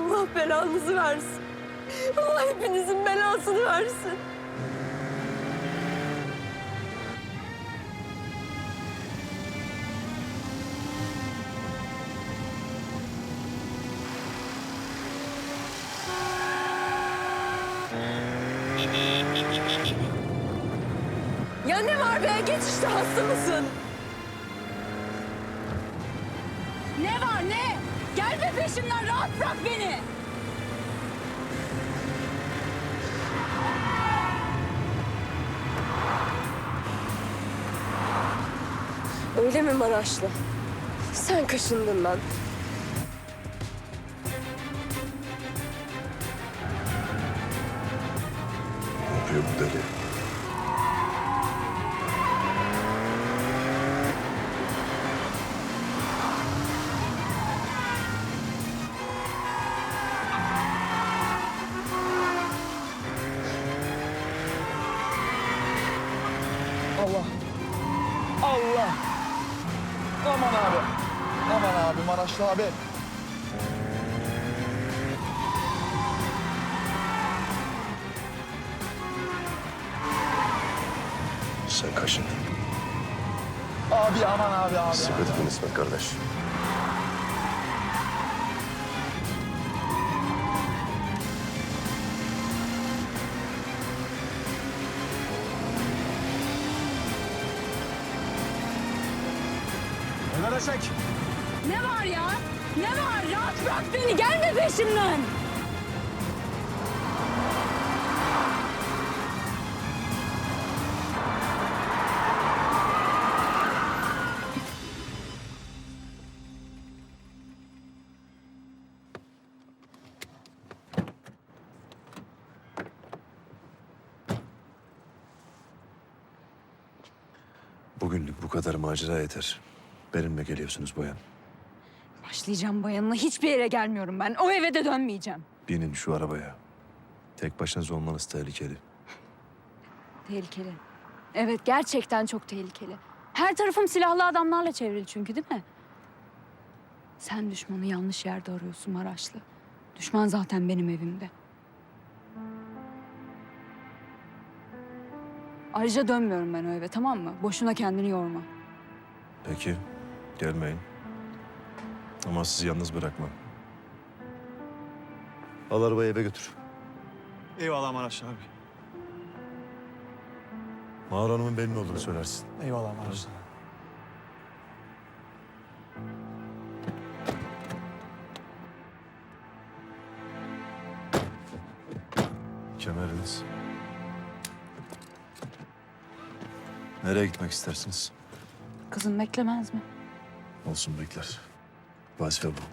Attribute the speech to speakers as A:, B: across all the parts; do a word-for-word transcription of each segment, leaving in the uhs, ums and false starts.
A: Allah belanızı versin. Allah hepinizin belasını versin. Ya ne var be? Geç işte, hasta mısın?
B: Ne var ne? Gelme peşimden, rahat bırak beni.
A: Öyle mi Maraşlı? Sen kaşındın lan.
C: Ne yapıyor bu deli?
D: Allah. Allah. Aman abi. Aman abi, Maraşlı abi.
C: Sen kaşındın.
D: Abi aman abi abi.
C: Sıkıntın İsmet kardeş.
D: Ömer Eşek.
B: Ne var ya? Ne var? Rahat bırak beni, gelme peşimden.
C: Bugünlük bu kadar macera yeter. Benimle geliyorsunuz bayan.
B: Başlayacağım bayanına, hiçbir yere gelmiyorum ben. O eve de dönmeyeceğim.
C: Binin şu arabaya. Tek başınız olmanız tehlikeli.
B: Tehlikeli. Evet, gerçekten çok tehlikeli. Her tarafım silahlı adamlarla çevrili çünkü, değil mi? Sen düşmanı yanlış yerde arıyorsun Maraşlı. Düşman zaten benim evimde. Ayrıca dönmüyorum ben o eve, tamam mı? Boşuna kendini yorma.
C: Peki, gelmeyin. Ama sizi yalnız bırakmam. Al arabayı eve götür.
D: Eyvallah Maraşlı abi.
C: Mağar Hanım'ın benim olduğunu söylersin.
D: Eyvallah Maraşlı.
C: Kemeriniz. Nereye gitmek istersiniz?
B: Kızım beklemez mi?
C: Olsun bekler. Vazife bu.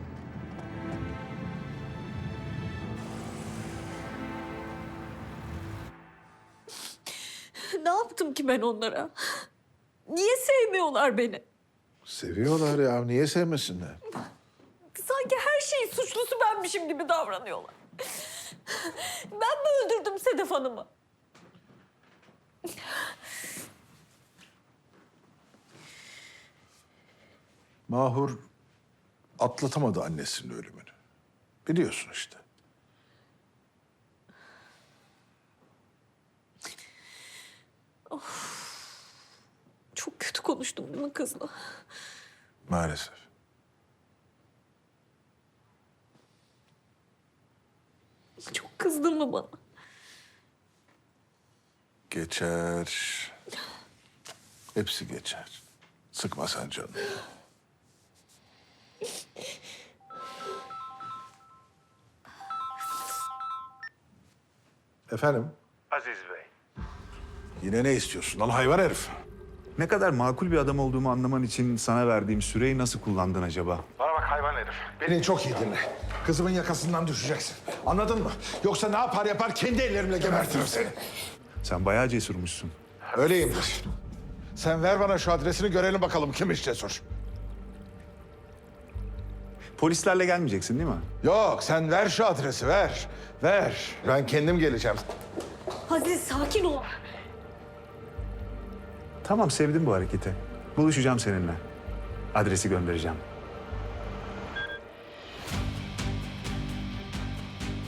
A: Ne yaptım ki ben onlara? Niye sevmiyorlar beni?
E: Seviyorlar ya. Niye sevmesinler?
A: Sanki her şeyin suçlusu benmişim gibi davranıyorlar. Ben mi öldürdüm Sedef Hanım'ı?
E: Mahur atlatamadı annesinin ölümünü. Biliyorsun işte.
A: Çok kötü konuştum değil mi kızla?
E: Maalesef.
A: Çok kızdın mı bana?
E: Geçer. Hepsi geçer. Sıkma sen canını. Efendim?
F: Aziz Bey,
E: Yine ne istiyorsun lan hayvan herif?
F: ne kadar makul bir adam olduğumu anlaman için sana verdiğim süreyi nasıl kullandın acaba?
E: Bana bak hayvan herif. Beni çok iyi dinle. Kızımın yakasından düşeceksin. Anladın mı? Yoksa ne yapar yapar kendi ellerimle gebertirim seni.
F: Sen bayağı cesurmuşsun.
E: Öyleyimdir. Sen ver bana şu adresini görelim bakalım kimmiş cesur.
F: Polislerle gelmeyeceksin değil mi?
E: Yok sen ver şu adresi ver. Ver. Ben kendim geleceğim.
A: Aziz sakin ol.
F: Tamam, sevdim bu hareketi. Buluşacağım seninle. Adresi göndereceğim.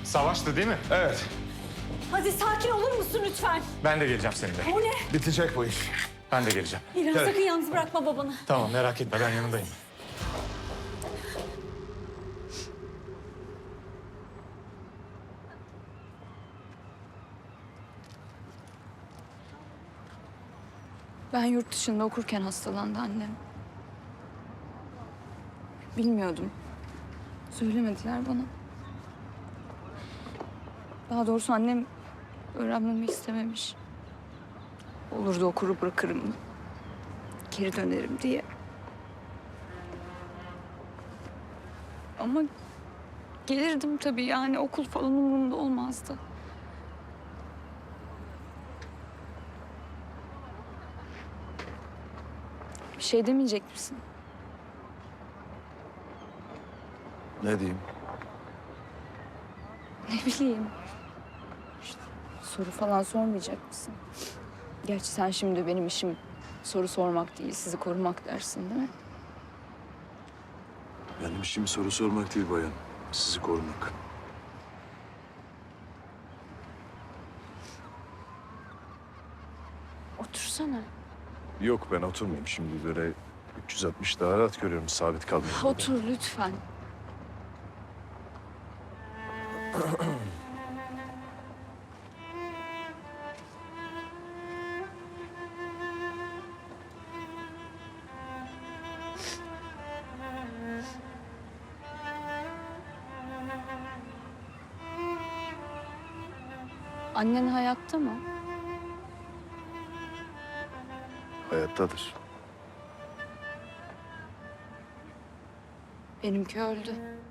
G: Savaştı değil mi?
E: Evet.
A: Hadi sakin olur musun lütfen?
G: Ben de geleceğim seninle.
A: O ne?
E: Bitecek bu iş.
G: Ben de geleceğim.
A: İlhan
E: Gel.
A: sakın yalnız bırakma babanı.
G: Tamam merak etme ben yanındayım.
B: Ben yurt dışında okurken hastalandı annem. Bilmiyordum. Söylemediler bana. Daha doğrusu annem öğrenmemi istememiş. Olur da okuru bırakırım, geri dönerim diye. Ama gelirdim tabii, yani okul falan umurumda olmazdı. Bir şey demeyecek misin?
C: Ne diyeyim?
B: Ne bileyim. İşte soru falan sormayacak mısın? Gerçi sen şimdi benim işim soru sormak değil, sizi korumak dersin değil mi?
C: Benim işim soru sormak değil bayan. Sizi korumak.
B: Otursana.
C: Yok ben oturmayayım. Şimdi böyle üç yüz altmış daha rahat görüyorum. Sabit kalmayayım.
B: Otur lütfen. Annen hayatta mı?
C: Hayattadır.
B: Benimki öldü.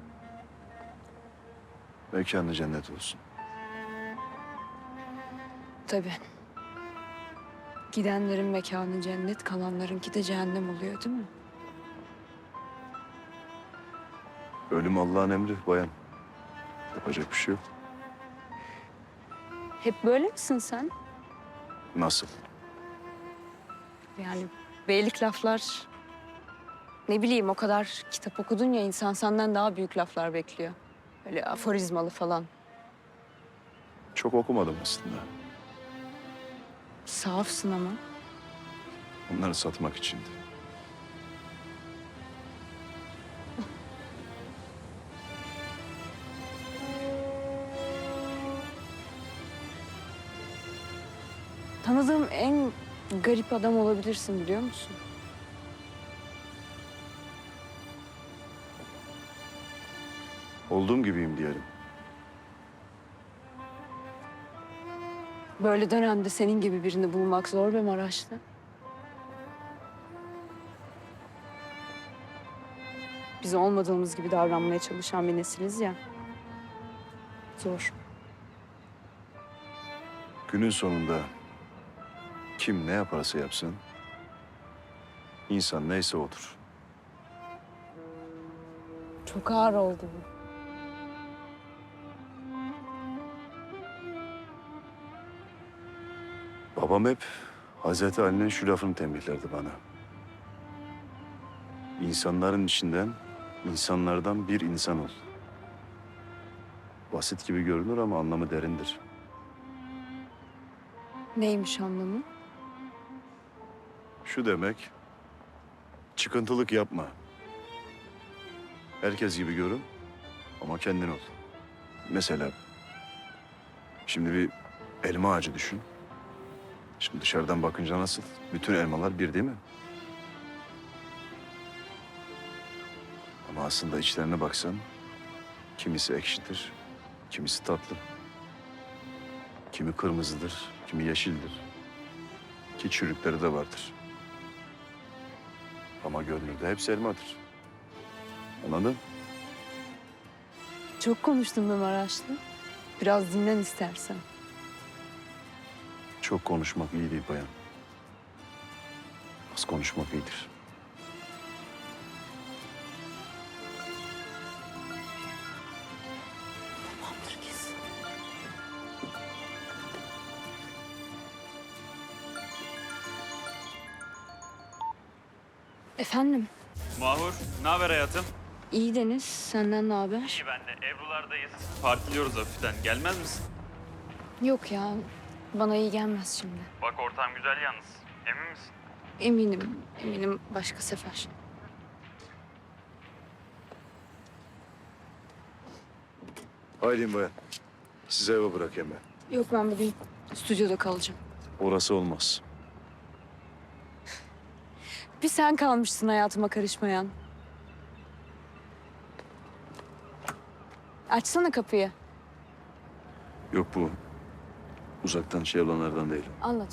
C: Mekanı cennet olsun.
B: Tabii. Gidenlerin mekanı cennet, kalanlarınki de cehennem oluyor değil mi?
C: Ölüm Allah'ın emri bayan. Yapacak bir şey yok.
B: Hep böyle misin sen?
C: Nasıl?
B: Yani beylik laflar... Ne bileyim, o kadar kitap okudun ya, insan senden daha büyük laflar bekliyor. Öyle aforizmalı falan.
C: Çok okumadım aslında.
B: Safsın ama.
C: Onları satmak içindi.
B: Tanıdığım en garip adam olabilirsin, biliyor musun?
C: Olduğum gibiyim diyelim.
B: Böyle dönemde senin gibi birini bulmak zor be Maraşlı. Biz olmadığımız gibi davranmaya çalışan bir nesiliz ya. Zor.
C: Günün sonunda kim ne yaparsa yapsın, insan neyse odur.
B: Çok ağır oldu bu.
C: Babam hep Hazreti Ali'nin şu lafını tembihlerdi bana. İnsanların içinden, insanlardan bir insan ol. Basit gibi görünür ama anlamı derindir.
B: Neymiş anlamı?
C: Şu demek, çıkıntılık yapma. Herkes gibi görün ama kendin ol. Mesela, şimdi bir elma ağacı düşün. Şimdi dışarıdan bakınca nasıl? Bütün elmalar bir değil mi? Ama aslında içlerine baksan, kimisi ekşidir, kimisi tatlı. Kimi kırmızıdır, kimi yeşildir. Ki çürükleri de vardır. Ama görünürde hepsi elmadır. Anladın?
B: Çok konuştun be Maraşlı. Biraz dinlen istersen.
C: Çok konuşmak iyi değil bayan. Az konuşmak iyidir.
B: Tamamdır kız. Efendim?
H: Mahur, ne haber hayatım?
B: İyi Deniz, senden ne haber?
H: İyi ben de. Ebru'lardayız. Partiliyoruz hafiften. Gelmez misin?
B: Yok ya, bana iyi gelmez şimdi.
H: Bak ortam güzel yalnız. Emin misin?
B: Eminim, eminim başka sefer.
C: Aylin bayan. Size eve bırakayım ben.
B: Yok ben bugün stüdyoda kalacağım.
C: Orası olmaz.
B: Bir sen kalmışsın hayatıma karışmayan. Açsana kapıyı.
C: Yok bu. Uzaktan şey olanlardan değil.
B: Anlat.